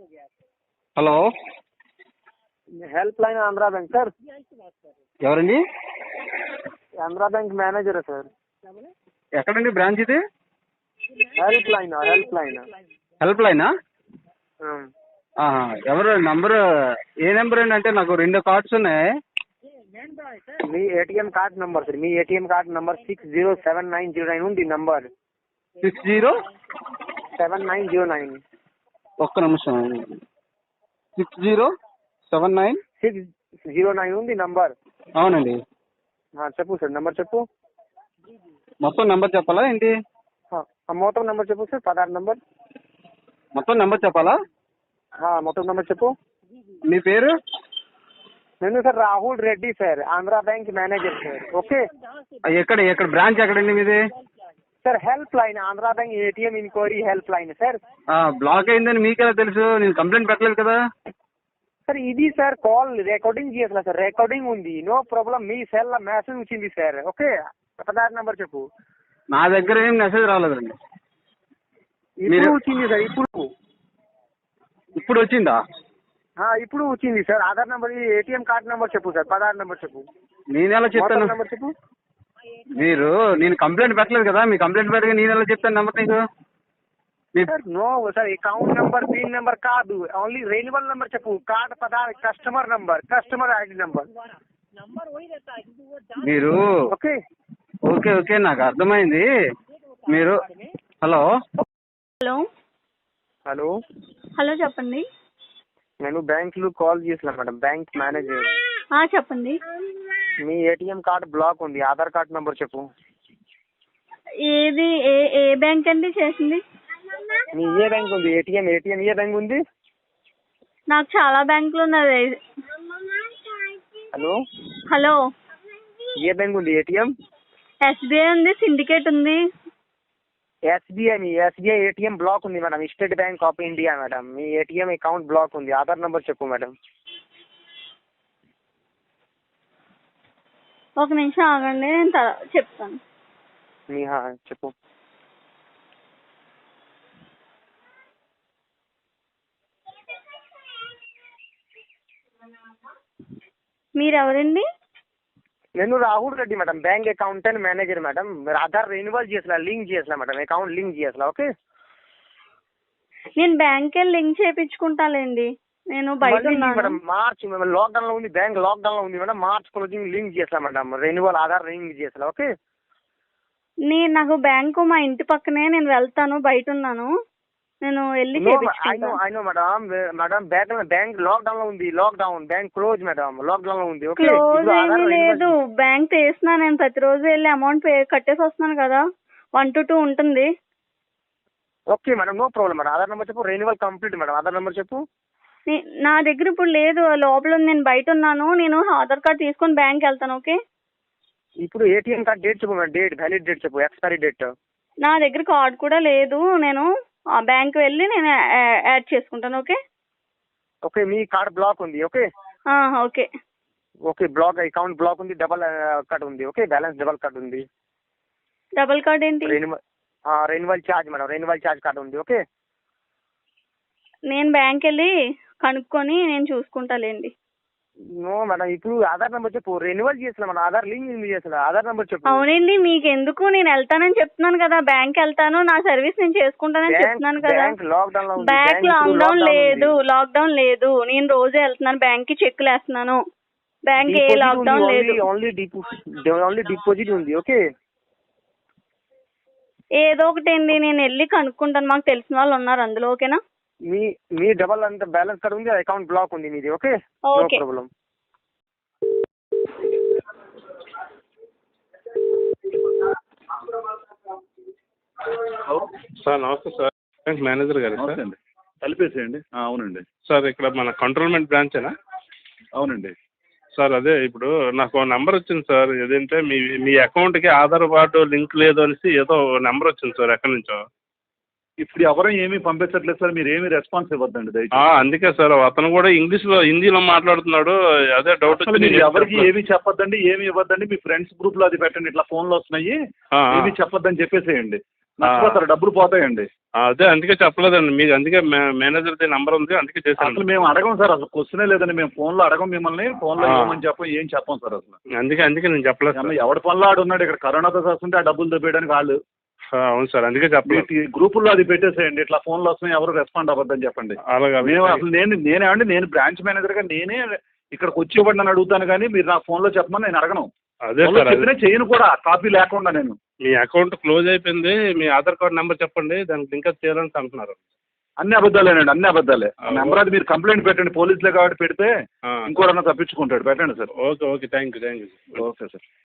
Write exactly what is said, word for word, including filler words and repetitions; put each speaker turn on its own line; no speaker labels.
Hello,
help line Andhra bank sir.
ఎవరండి?
Andhra bank manager sir.
ఎక్కడండి branch ఇది?
Help line help line
help లైనా? ఎవరు నంబరు? ఏ నెంబర్ అండి? అంటే నాకు రెండు కార్డ్స్ ఉన్నాయి.
మీ ఏటీఎం కార్డ్ నంబర్ సార్. మీ ATM card number six zero seven nine zero nine ఉంది number.
Six zero
seven nine zero nine
ఒక్క నిమిషం. Six zero seven nine
six zero nine ఉంది నంబర్.
అవునండి.
చెప్పు సార్, నంబర్ చెప్పు.
మొత్తం నెంబర్ చెప్పాలా ఏంటి?
మొత్తం నంబర్ చెప్పు సార్. పదహారు నంబర్
మొత్తం నెంబర్ చెప్పాలా?
మొత్తం నంబర్ చెప్పు.
మీ పేరు?
నేను sir Rahul Reddy sir, Andhra bank manager sir. Okay,
ఎక్కడ ఎక్కడ బ్రాంచ్ ఎక్కడండి మీది?
Sir help line Andhra bank ATM inquiry help line sir.
Block అయిందని మీకెలా తెలుసు? నేను కంప్లైంట్ పెట్టలేదు కదా
సార్. ఇది సార్ కాల్ రికార్డింగ్ చేయాలి సార్. రికార్డింగ్ ఉంది, నో ప్రాబ్లం. మీ సెల్ లో మెసేజ్ వచ్చింది సార్. ఓకే, పదహారు నెంబర్ చెప్పు.
నా దగ్గర ఏం మెసేజ్ రాలేదండి.
ఇప్పుడు వచ్చింది సార్. ఇప్పుడు
ఇప్పుడు వచ్చిందా?
ఇప్పుడు వచ్చింది sir. Aadhaar number, ATM card number చెప్పు సార్. పదహారు నెంబర్ చెప్పు.
నేను ఎలా చెప్తాను?
నెంబర్ చెప్పు.
మీరు నేను కంప్లైంట్ పెట్టలేదు కదా, మీ కంప్లైంట్ పెట్టగా నేను ఎలా చెప్తాను నెంబర్ నీకు?
Sir no sir, account number pin number కాదు, ఓన్లీ రెన్యువల్ నెంబర్ చెప్పు. కార్డ్ పదహారు customer number, customer ID number.
మీరు
ఓకే
ఓకే ఓకే నాకు అర్థమైంది. మీరు హలో
హలో
హలో
హలో చెప్పండి.
నేను బ్యాంక్ లో కాల్ చేసిన మేడం, బ్యాంక్ మేనేజర్.
చెప్పండి.
మీ ఏటీఎం కార్డ్ బ్లాక్ ఉంది, ఆధార్ కార్డ్ నంబర్ చెప్పు.
ఏది ఏ ఏ బ్యాంక్ అండి చేసింది?
మీ ఏ బ్యాంక్ ఉంది? ఏటీఎం ఏటీఎం ఏ బ్యాంక్ ఉంది?
నాకు చాలా బ్యాంకులు ఉన్నది.
హలో
హలో
ఏ బ్యాంక్ ఉంది? ఏటీఎం
ఎస్బీఐ ఉంది, సిండికేట్ ఉంది.
ఎస్బీఐ మీ ఎస్బీఐ ఏటీఎం బ్లాక్ ఉంది madam. State bank of India madam. మీ ఏటీఎం అకౌంట్ బ్లాక్ ఉంది. ఆధార్ నంబర్ చెప్పు మేడం.
ఒక నిమిషం ఆగండి, నేను తర్వా- చెప్తాను.
మీ చెప్పు.
మీరెవరండి?
నేను Rahul Reddy madam, bank accountant manager madam. మీరు ఆధార్ రెన్యువల్ చేసలా, లింక్ చేసలా మేడం, అకౌంట్ లింక్ చేసలా. ఓకే,
నేను బ్యాంక్ వెళ్ళి లింక్ చేయించుకుంటాలేండి. నేను బయట ఉన్నాను
మేడం. మార్చ్ లాక్డౌన్ లో ఉంది, బ్యాంక్ లాక్డౌన్ లో ఉంది మేడం. మార్చ్ క్లోజింగ్ లింక్ చేసలా మేడం, రెన్యువల్ ఆధార్ లింక్ చేసలా. ఓకే,
నేను నాకు బ్యాంకు మా ఇంటి పక్కనే, నేను వెళ్తాను, బయట ఉన్నాను, నేను వెళ్ళి చేయించుకుంటాను.
అయినో madam, madam bank bank lockdown లో ఉంది. Lockdown bank close madam, lockdown లో ఉంది. ఓకే,
క్లోజ్ ఏమీ లేదు, బ్యాంక్ తీస్తున్నా. నేను ప్రతిరోజు వెళ్ళి అమౌంట్ పే కట్టేసి వస్తున్నాను కదా, వన్ టు టూ ఉంటుంది.
Okay madam, no problem madam. Aadhaar number చెప్పు. Renewal complete madam. Aadhaar number చెప్పు.
నా దగ్గర ఇప్పుడు లేదు, లోపల నేను బయట ఉన్నాను. నేను ఆధార్ కార్డ్ తీసుకొని బ్యాంక్ వెళ్తాను. ఓకే,
ఇప్పుడు ఏటీఎం కార్డ్ డేట్ చెప్పు మేడం. డేట్ వ్యాలిడ్ డేట్ చెప్పు, ఎక్స్పైరీ డేట్.
నా దగ్గర కార్డ్ కూడా లేదు, నేను బ్యాంక్ వెళ్ళి నేను యాడ్ చేసుకుంటాను. ఓకే
ఓకే, మీ కార్డ్ బ్లాక్ ఉంది. Okay
okay
okay, block account block ఉంది, డబల్ కట్ ఉంది. ఓకే, బ్యాలెన్స్ డబల్ కట్ ఉంది.
డబల్ కార్డ్ ఏంటి?
Renewal renewal charge madam, renewal charge card ఉంది. ఓకే,
నేను బ్యాంక్ వెళ్ళి కనుక్కొని నేను చూసుకుంటాలేండి.
నో మేడం, ఇప్పుడు ఆధార్ నెంబర్ చెప్పు. రెన్యువల్ చేసిన మేడం, ఆధార్ లింక్ చేసిన. ఆధార్ నెంబర్ చెప్పు.
అవునండి, మీకు ఎందుకు, నేను వెళ్తానని చెప్తున్నాను కదా, బ్యాంక్ వెళ్తాను, నా సర్వీస్ నేను చేసుకుంటానని చెప్తున్నాను కదా.
బ్యాంక్ లాక్డౌన్ లో ఉంది.
బ్యాంక్ లాక్డౌన్ లేదు, లాక్డౌన్ లేదు. నేను రోజే వెళ్తున్నాను బ్యాంక్ కి, చెక్లు వేస్తున్నాను. బ్యాంక్ ఏ లాక్డౌన్ లేదు,
ఓన్లీ ఓన్లీ డిపాజిట్ ఉంది. ఓకే,
ఏదో ఒకటి అండి, నేను వెళ్ళి కనుక్కుంటాను, మాకు తెలిసిన వాళ్ళు ఉన్నారు అందులో. ఓకేనా?
మీ మీ డబల్ అంత బ్యాలెన్స్ కార్డ్ ఉంది, అకౌంట్ బ్లాక్ ఉంది మీది. Okay, no problem.
సార్ నమస్తే సార్, బ్యాంక్ మేనేజర్ గారు సార్.
కలిపేసేయండి. అవునండి
సార్, ఇక్కడ మన కంట్రోల్మెంట్ బ్రాంచేనా?
అవునండి
సార్, అదే ఇప్పుడు నాకు నెంబర్ వచ్చింది సార్. ఏదంటే మీ మీ అకౌంట్కి ఆధార్ కార్డు లింక్ లేదు అనేసి ఏదో నెంబర్ వచ్చింది సార్, ఎక్కడి నుంచో.
ఇప్పుడు ఎవరూ ఏమీ పంపించట్లేదు సార్, మీరు ఏమీ రెస్పాన్స్ ఇవ్వద్దండి దయచేసి.
అందుకే సార్, అతను కూడా ఇంగ్లీష్లో హిందీలో మాట్లాడుతున్నాడు, అదే డౌట్
అసలు మీరు ఎవరికి ఏమీ చెప్పొద్దండి, ఏమి ఇవ్వద్దండి. మీ ఫ్రెండ్స్ గ్రూప్ లో అది పెట్టండి, ఇట్లా ఫోన్లు వస్తున్నాయి, ఏమీ చెప్పొద్దని చెప్పేసేయండి. నష్టపోతారు, డబ్బులు పోతాయండి.
ఆ, అదే అందుకే చెప్పలేదండి మీకు, అందుకే మేనేజర్ నెంబర్ ఉంది అందుకే
అసలు
చేశాను.
మేము అడగం సార్, అసలు క్వశ్చనే లేదండి. మేము ఫోన్లో అడగం మిమ్మల్ని, ఫోన్లో
ఆ.
ఏమని చెప్పం, ఏం చెప్పం సార్ అసలు.
అందుకే అందుకే నేను చెప్పలేదు సార్.
ఎవడి పనిలో ఆడు ఉన్నాడు, ఇక్కడ కరోనాతో వస్తుంటే ఆ డబ్బులు దొబ్బేయడానికి వాళ్ళు.
ఆ, అవును సార్ అందుకే చెప్పలేదు.
మీ గ్రూపుల్లో అది పెట్టేసేయండి, ఇట్లా ఫోన్లు వస్తున్నాయి ఎవరు రెస్పాండ్ అవ్వద్దని చెప్పండి.
అలాగే
మేము అసలు నేను నేనేమండి నేను బ్రాంచ్ మేనేజర్గా నేనే ఇక్కడికి వచ్చి ఇవ్వండి అని అడుగుతాను, కానీ మీరు నా ఫోన్లో చెప్పమని నేను అడగను.
అదే
ఫోన్లో
సార్, అదే.
చెప్పినా చేయను కూడా, కాపీ లేకుండా నేను.
మీ అకౌంట్ క్లోజ్ అయిపోయింది, మీ ఆధార్ కార్డ్ నెంబర్ చెప్పండి, దానికి లింక్ అప్ చేయాలని అంటున్నారు.
అన్ని అబద్ధాలేనండి, అన్ని అబద్ధాలే.
ఆ,
నెంబర్ అది మీరు కంప్లైంట్ పెట్టండి, పోలీసులే కాబట్టి పెడితే
ఆ.
ఇంకోడన్నా తప్పించుకుంటాడు. పెట్టండి sir.
Okay okay thank you thank you
okay sir.